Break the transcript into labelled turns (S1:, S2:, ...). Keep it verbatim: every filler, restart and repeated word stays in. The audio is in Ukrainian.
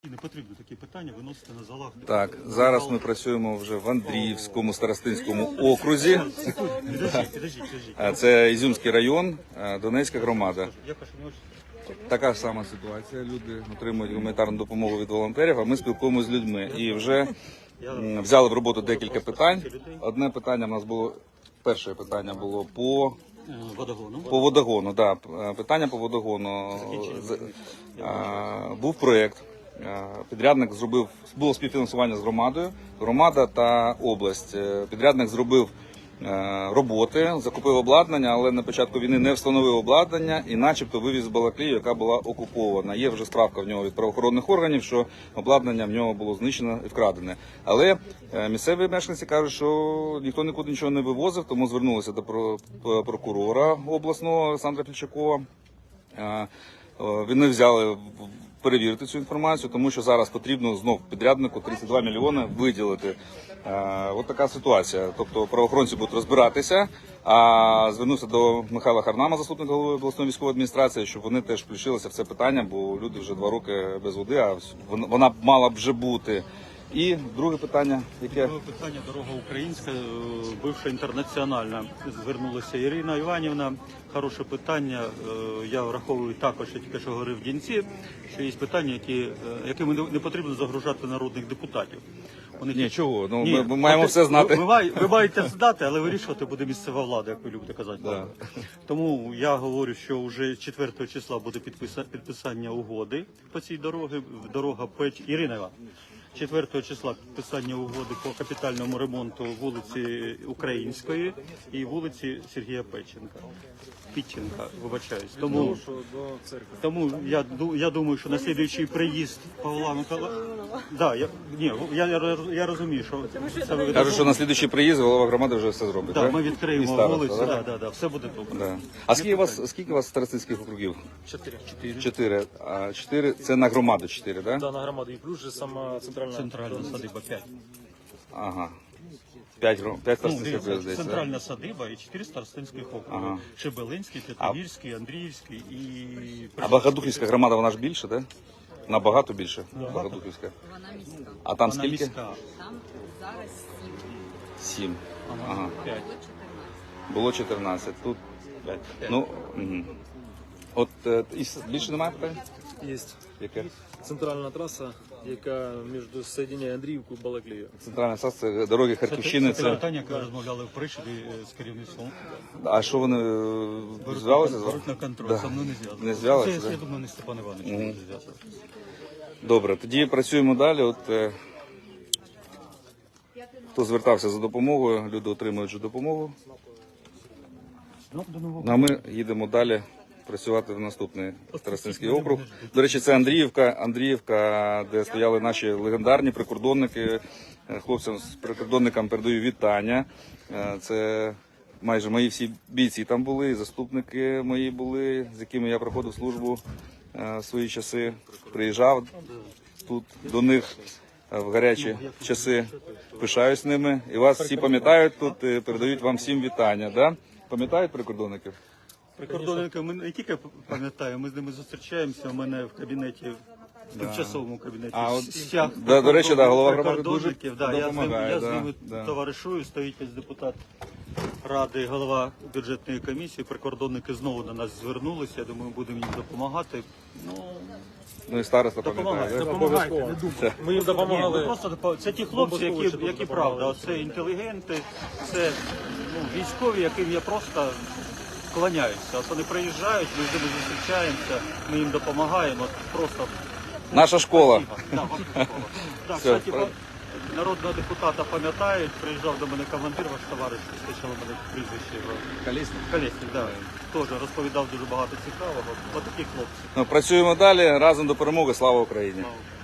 S1: Не потрібно такі питання виносити на залах.
S2: Так, зараз ми працюємо вже в Андріївському старостинському окрузі.
S1: Підождіть, підождіть, підождіть.
S2: Це Ізюмський район, Донецька громада.
S1: Я кажу, не очень.
S2: Така ж сама ситуація. Люди отримують гуманітарну допомогу від волонтерів, а ми спілкуємося з людьми. І вже м, взяли в роботу декілька питань. Одне питання в нас було, перше питання було по...
S1: Е, Водогону.
S2: По водогону, да. Питання по водогону. З- а, Був проєкт. а, Підрядник зробив, було співфінансування з громадою, громада та область. Е, Підрядник зробив е, роботи, закупив обладнання, але на початку війни не встановив обладнання і начебто вивіз Балаклію, яка була окупована. Є вже справка в нього від правоохоронних органів, що обладнання в нього було знищено і вкрадене. Але е, місцеві мешканці кажуть, що ніхто нікуди нічого не вивозив, тому звернулися до про- прокурора обласного Олександра Фільчакова. Е, е, Вони взяли в- перевірити цю інформацію, тому що зараз потрібно знов підряднику тридцять два мільйони виділити. Е, От така ситуація. Тобто правоохоронці будуть розбиратися, а звернувся до Михайла Харнама, заступника голови обласної військової адміністрації, щоб вони теж включилися в це питання, бо люди вже два роки без води, а вона- вона б мала б вже бути. І друге питання, яке...
S1: Друге питання, дорога українська, е, бивша інтернаціональна. Звернулася Ірина Іванівна. Хороше питання. Е, Я враховую також, я тільки що говорив в Дінці, що є питання, які, е, якими не- не потрібно загружати народних депутатів. Вони
S2: Ні, чого? Ну,
S1: Ні,
S2: ми, ми маємо
S1: ви-
S2: все знати.
S1: Ви, ви, має- ви маєте знати, але вирішувати буде місцева влада, як ви любите казати.
S2: Да.
S1: Тому я говорю, що вже четвертого числа буде підписа- підписання угоди по цій дорогі. Дорога Печ Ірина Іванівна. четвертого числа підписання угоди по капітальному ремонту вулиці Української і вулиці Сергія Печенка. Підченка, вибачаюсь. Тому, тому я, ду- я думаю, що на слідуючий приїзд Павла Миколаївича... Да, я, ні, я, я, я розумію, що це ви
S2: Кажуть, що на слідуючий приїзд голова громади вже все зробить.
S1: да,
S2: так?
S1: ми
S2: І
S1: відкриємо
S2: староста,
S1: вулицю,
S2: так?
S1: да, да, да, все буде добре.
S2: Да. А скільки у вас скільки у вас старостинських округів?
S3: Чотири.
S1: Чотири.
S2: Чотири. А чотири це на громаду чотири, так?
S3: Да, на громаду. І плюс же сама центральна.
S1: Центральна садиба п'ять.
S2: Ага. П'ять гром, п'ять
S1: Ну,
S2: старостинських
S1: дивіться,
S2: здається.
S1: центральна садиба і чотири старостинських округи.
S2: Ага.
S1: Шебелинський, Тетивірський, Андріївський і...
S2: А Багатухівська громада, вона ж більше, так? Набагато більше. Багатухівська.
S4: Вона міська.
S2: А там
S1: Вона
S2: скільки?
S1: міська.
S4: Там зараз сім.
S2: Сім.
S1: Ага.
S2: Ага.
S1: П'ять.
S2: Було чотирнадцять. Тут п'ять. Ну, угу. От е, і с- більше немає питань?
S3: Є
S2: Яке?
S3: центральна траса, яка між соєдиняє Андріївку і Балаклію.
S2: Центральна САС, це дороги Харківщини.
S1: Це
S2: Це...
S1: питання, яке розмовляли в Пришибі е, з керівництвом.
S2: А що вони е, зв'язалися з вами?
S1: Беруть на контроль,
S2: Да.
S1: со мною не зв'язано.
S2: Не зв'язалися,
S1: Це,
S2: да?
S1: я думаю, не Степан Іванович не зв'язано.
S2: Добре, тоді працюємо далі. От, е, хто звертався за допомогою, люди отримують вже допомогу.
S1: Ну, до нового.
S2: Ну, а ми їдемо далі працювати в наступний Старостинський округ. До речі, це Андріївка, Андріївка, де стояли наші легендарні прикордонники. Е, Хлопцям з прикордонникам передаю вітання. Е, Це майже мої всі бійці там були, і заступники мої були, з якими я проходив службу е, в свої часи. Приїжджав тут до них е, в гарячі часи. Пишаюсь ними. І вас всі пам'ятають тут, е, передають вам всім вітання. Да? Пам'ятають прикордонників?
S1: Прикордонника ми не тільки пам'ятаємо, ми з ними зустрічаємося. У мене в кабінеті, в тимчасовому кабінеті.
S2: А от,
S1: стяг
S2: да, до речі, да, голова громади
S1: прикордонників.
S2: дуже
S1: Да, я з ними,
S2: допомагає,
S1: я з
S2: да,
S1: ними
S2: да.
S1: товаришую, стоїть ось депутат ради, голова бюджетної комісії. Прикордонники знову до нас звернулися. Я думаю, будемо їм допомагати. Ну,
S2: Ну і староста
S1: допомагайте,
S2: пам'ятає.
S1: допомагайте, не думайте.
S3: Ми їм
S1: Ні, ну
S3: допомагали.
S1: просто допо- це ті хлопці, які,
S3: Бомбосховище
S1: які
S3: допомагали.
S1: правда, це інтелігенти, це ну, військові, яким я просто кланяюся. От вони приїжджають, ми з ними зустрічаємося, ми їм допомагаємо. От просто
S2: Наша школа.
S1: да, ваша школа. Да,
S2: Все,
S1: кстати,
S2: правильно.
S1: па- народного депутата пам'ятають, приїжджав до мене командир, ваш товариш, спочатку мене прізвище його.
S2: Колісник.
S1: Колєснік, да. Теж розповідав дуже багато цікавого. Ось такі хлопці.
S2: Ну, працюємо далі. Разом до перемоги. Слава Україні!
S1: Слава.